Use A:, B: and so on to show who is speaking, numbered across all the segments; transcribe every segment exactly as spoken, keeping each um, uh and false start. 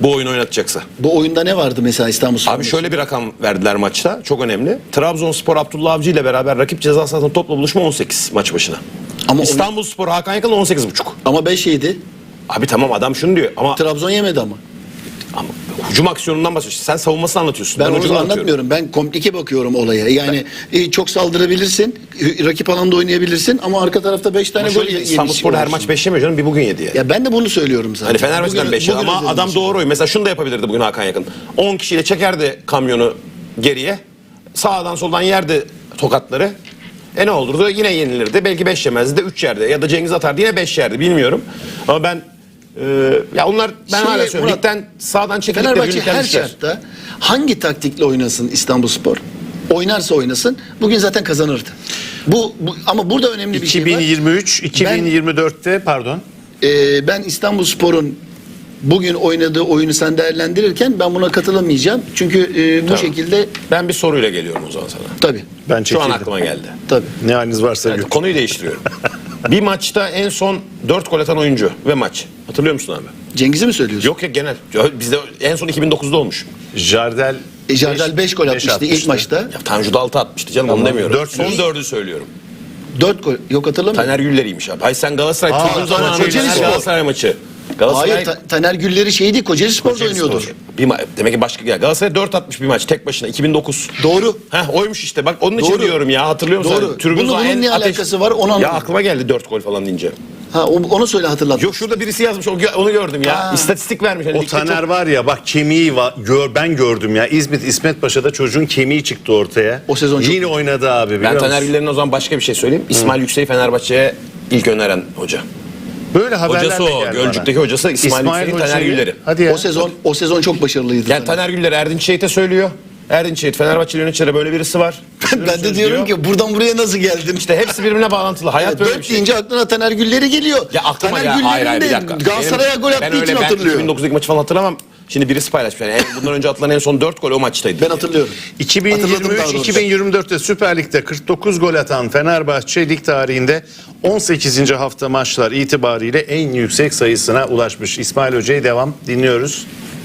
A: Bu oyunu oynatacaksa.
B: Bu oyunda ne vardı mesela İstanbulspor?
A: Abi şöyle bir rakam verdiler maçta. Çok önemli. Trabzonspor Abdullah Avcı ile beraber rakip ceza sahasında topla buluşma on sekiz maç başına.
B: Ama
A: İstanbulspor Hakan Yakın on sekiz buçuk.
B: Ama beş yedi.
A: Abi tamam adam şunu diyor ama,
B: Trabzon yemedi ama.
A: ama hücum aksiyonundan bahsediyorsun. Sen savunmasını anlatıyorsun.
B: Ben,
A: Ben,
B: onu
A: hücumu
B: anlatmıyorum. Ben komplike bakıyorum olaya. Yani e, çok saldırabilirsin, e, rakip alanda oynayabilirsin ama arka tarafta beş tane gol yemiş.
A: İstanbulspor her maç beş yemiyor canım. Bir bugün yedi yani.
B: Ya ben de bunu söylüyorum zaten.
A: Hani Fenerbahçe'den
B: Bugün-
A: beş yedi
B: bugün
A: ama
B: özelinde
A: adam
B: şey.
A: doğru oyun. Mesela şunu da yapabilirdi bugün Hakan Yakın. on kişiyle çekerdi kamyonu geriye. Sağdan soldan yerdi tokatları. E ne olurdu? Yine yenilirdi. Belki beş yemezdi de üç yerdi. Ya da Cengiz atardı yine beş yerdi. Bilmiyorum. Ama ben e, ya onlar ben
B: Şimdi
A: hala söylüyorum.
B: Murat,
A: Ligden sağdan çekilip de
B: Fenerbahçe
A: birlikten
B: her
A: düşer.
B: şartta hangi taktikle oynasın İstanbulspor? Oynarsa oynasın. Bugün zaten kazanırdı. Bu, bu ama burada önemli bir şey var.
C: iki bin yirmi üç iki bin yirmi dörtte pardon.
B: Ee, ben İstanbulspor'un bugün oynadığı oyunu sen değerlendirirken ben buna katılamayacağım. Çünkü e, bu
A: Tamam.
B: şekilde
A: Ben bir soruyla geliyorum o zaman sana.
B: tabii.
C: Ben
A: Şu an
C: çekildim.
A: aklıma geldi.
B: Tabii.
C: Ne haliniz varsa
A: Evet,
C: görün.
A: konuyu değiştiriyorum. Bir maçta en son dört gol atan oyuncu ve maç. Hatırlıyor musun abi?
B: Cengiz'i mi söylüyorsun?
A: Yok ya genel. Bizde en son iki bin dokuzda olmuş.
C: Jardel
B: E, Jardel beş gol atmıştı ilk maçta.
A: Ya Tanju da altı atmıştı canım
C: Tamam,
A: onu demiyorum.
C: dört
A: son
C: yüz.
A: dördü söylüyorum.
B: dört gol. Yok hatırlamıyorum.
A: Taner Güller'iymiş abi. Hayır sen Galatasaray
C: Aa,
A: çocuğun zamanı
C: Kocaeli
A: Fener
B: Spor.
A: Galatasaray maçı. Galatasaray
B: Hayır Ta- Taner Gülleri şeydi Kocaeli Spor'da
C: Kocaeli
B: oynuyordu.
C: Spor.
A: bir ma- demek ki başka ya Galatasaray dört atmış bir maç tek başına iki bin dokuz.
B: Doğru.
A: Heh oymuş işte. Bak onun için
B: Doğru.
A: diyorum ya. Hatırlıyor musun?
B: Doğru.
A: Sen? Tribün
B: Bunun-
A: zaten
B: bunun
A: en
B: ne alakası var, onu
A: Ya
B: anlamadım.
A: aklıma geldi dört gol falan deyince.
B: Ha o- onu söyle hatırlat.
A: Yok şurada birisi yazmış o gö- onu gördüm ya.
B: Ha.
A: İstatistik vermiş. Hani
C: O
A: ligde
C: Taner
A: çok-
C: var ya bak kemiği var, gör, ben gördüm ya. İzmit İsmet Paşa'da çocuğun kemiği çıktı ortaya.
B: O sezon çok
C: Yine
B: kötü.
C: oynadı abi biliyor
A: Ben
C: musun?
A: Taner Güller'in o zaman başka bir şey söyleyeyim. İsmail Yüksek'i Fenerbahçe'ye ilk öneren hoca.
C: Böyle haberlerle
A: Hocası o.
C: geldi
A: Gölcük'teki
C: bana.
A: hocası İsmail, Yüksek'in Taner
C: Hoca'yı-
A: Güller'i.
C: Hadi ya.
B: O sezon o sezon çok başarılıydı.
A: Yani Taner Güller Erdinç Şehit'e söylüyor. Erdinç Şehit Fenerbahçe yöneticilere böyle birisi var.
B: ben de diyorum ki buradan buraya nasıl geldin?
A: İşte hepsi birbirine bağlantılı. Hayat böyle bir
B: Dört
A: şey.
B: deyince aklına Taner Gülleri geliyor.
A: Ya aklıma
B: Taner
A: ya
B: Güller'in
A: hayır hayır bir
B: de
A: dakika.
B: Galatasaray'a
A: Benim-
B: gol
A: ben
B: attığı için
A: öyle, ben
B: hatırlıyor.
A: iki bin dokuzdaki maçı falan hatırlamam. Şimdi birisi paylaşmış. Yani en- bundan önce atılan en son dört gol o maçtaydı.
B: Ben hatırlıyorum. Hatırladım daha
C: iki bin yirmi üç
B: doğrusu.
C: iki bin yirmi dörtte Süper Lig'de kırk dokuz gol atan Fenerbahçe lig tarihinde on sekizinci hafta maçlar itibariyle en yüksek sayısına ulaşmış. İsmail Hoca'yı devam dinliyoruz.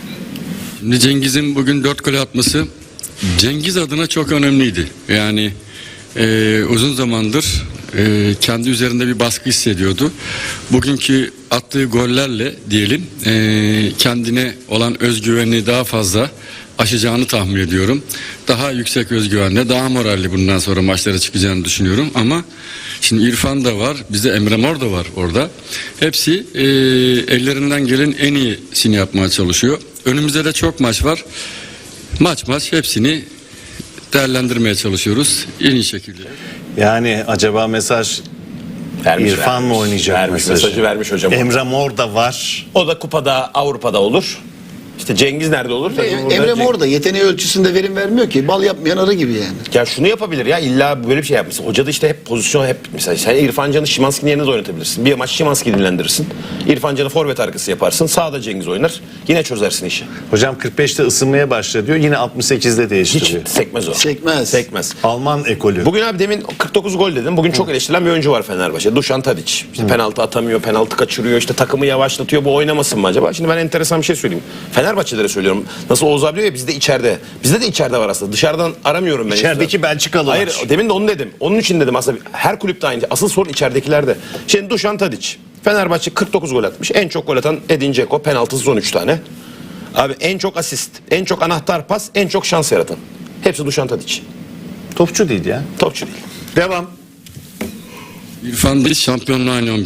D: Şimdi Cengiz'in bugün dört gol atması Cengiz adına çok önemliydi. Yani e, uzun zamandır e, kendi üzerinde bir baskı hissediyordu. Bugünkü attığı gollerle diyelim e, kendine olan özgüvenini daha fazla aşacağını tahmin ediyorum. Daha yüksek özgüvenle, daha moralli bundan sonra maçlara çıkacağını düşünüyorum. Ama şimdi İrfan da var, bizde Emre Mor da var orada. Hepsi e, ellerinden gelen en iyisini yapmaya çalışıyor. Önümüzde de çok maç var. Maç maç hepsini değerlendirmeye çalışıyoruz en iyi şekilde.
C: Yani acaba mesaj
A: Vermiş,
C: İrfan
A: vermiş.
C: mı oynayacak
A: Vermiş,
C: mesajı?
A: mesajı vermiş hocam.
C: Emre Mor da var.
A: O da kupada Avrupa'da olur. İşte Cengiz nerede olur? Tabii burada
B: Emre
A: Cengiz-
B: Mor da yeteneği ölçüsünde verim vermiyor ki. Bal yapmayan arı gibi yani.
A: Ya şunu yapabilir ya illa böyle bir şey yapmışsın. Hoca da işte hep pozisyon hep mesela sen İrfan Can'ı Szymański'nin yerine de oynatabilirsin. Bir maç Szymański'yi dinlendirirsin. İrfan Can'ı forvet arkası yaparsın. Sağda Cengiz oynar. Yine çözersin işi.
C: Hocam kırk beşte ısınmaya başladı diyor. Yine altmış sekizde
A: Hiç
C: değiştiriyor.
A: sekmez o.
B: Sekmez.
A: Sekmez.
C: Alman ekolü.
A: Bugün abi demin kırk dokuz gol dedim. Bugün çok eleştirilen bir oyuncu var Fenerbahçe. Dušan Tadić. İşte penaltı atamıyor, penaltı kaçırıyor. İşte takımı yavaşlatıyor. Bu oynamasın mı acaba? Şimdi ben enteresan bir şey söyleyeyim. Fenerbahçelere söylüyorum. Nasıl Oğuz abi diyor ya bizde içeride. Bizde de içeride var aslında. Dışarıdan aramıyorum ben.
C: İçerideki Belçikalı
A: Hayır
C: var.
A: demin de onu dedim. Onun için dedim aslında her kulüpte aynı. Asıl sorun içeridekilerde. Şimdi Dušan Tadić. Fenerbahçe kırk dokuz gol atmış. En çok gol atan Edin Dzeko. Penaltısız on üç tane. Abi en çok asist, en çok anahtar pas, en çok şans yaratan. Hepsi Dušan Tadić.
C: Topçu değil ya.
A: Topçu değil.
C: Devam.
D: İrfan da şampiyonluğa oynayan